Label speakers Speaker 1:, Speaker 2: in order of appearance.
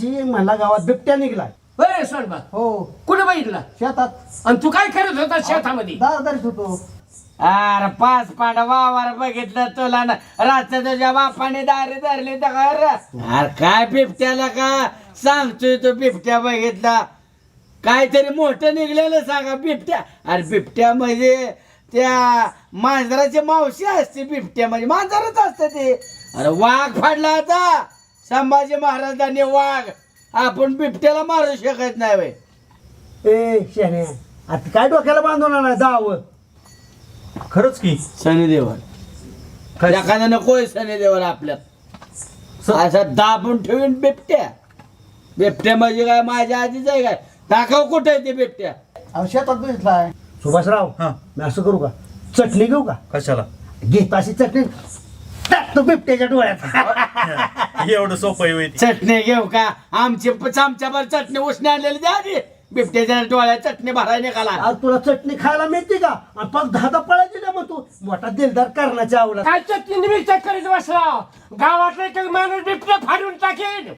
Speaker 1: दिवशी मला गावात बिबट्या निघलाय.
Speaker 2: बरं सोनबा
Speaker 1: हो
Speaker 2: कुठं बघितला
Speaker 1: शेतात
Speaker 2: आणि तू काय करत होता शेतामध्ये
Speaker 1: दारदारीत होतो.
Speaker 3: अरे 5 पांडा वावर बघितलं तुला ना रात्र तुझ्या बापाने दारी धरली तर अरे काय बिबट्याला का सांगतोय तो बिबट्या बघितला काहीतरी मोठं निघलेलं सांगा बिबट्या. अरे बिबट्या म्हणजे त्या मांजराची मावशी असते. बिबट्या म्हणजे मांजरच असते ते. अरे वाघ फाडला आता संभाजी महाराजांनी वाघ. आपण बिबट्याला मारू शकत नाही बाई.
Speaker 1: ए शेण्या आता काय डोक्याला बांधून आणा जावं.
Speaker 4: खरंच की
Speaker 3: सनी देवल
Speaker 4: काय?
Speaker 3: एखादा नकोय सनी देवल आपल्यात असं दाबून ठेवीन बिबट्या. बिबट्या म्हणजे काय माझ्या आधीच आहे काय दाखव कुठे आहे ते बिबट्या.
Speaker 1: अहो शेतात बसलाय. सुभाषराव
Speaker 4: हा.
Speaker 1: मी असं करू का चटणी घेऊ का.
Speaker 4: कशाला
Speaker 1: घेत अशी चटणी टाकतो बिबट्याच्या डोळ्यात.
Speaker 4: एवढं सोपं आहे ती.
Speaker 3: चटणी घेऊ का आमच्यावर चटणी उसने आणलेली द्या आधी. बिबट्याच्या डोळ्यात चटणी भरायला निघाला.
Speaker 1: आज तुला चटणी खायला मिळते का आणि पग 10 पळायची का मग तू मोठा दिलदार करण्याच्या आवडत.
Speaker 2: काय चटणी निमित्त करीत बसला गावातला एक माणूस बिबट्या फाडून टाकेन.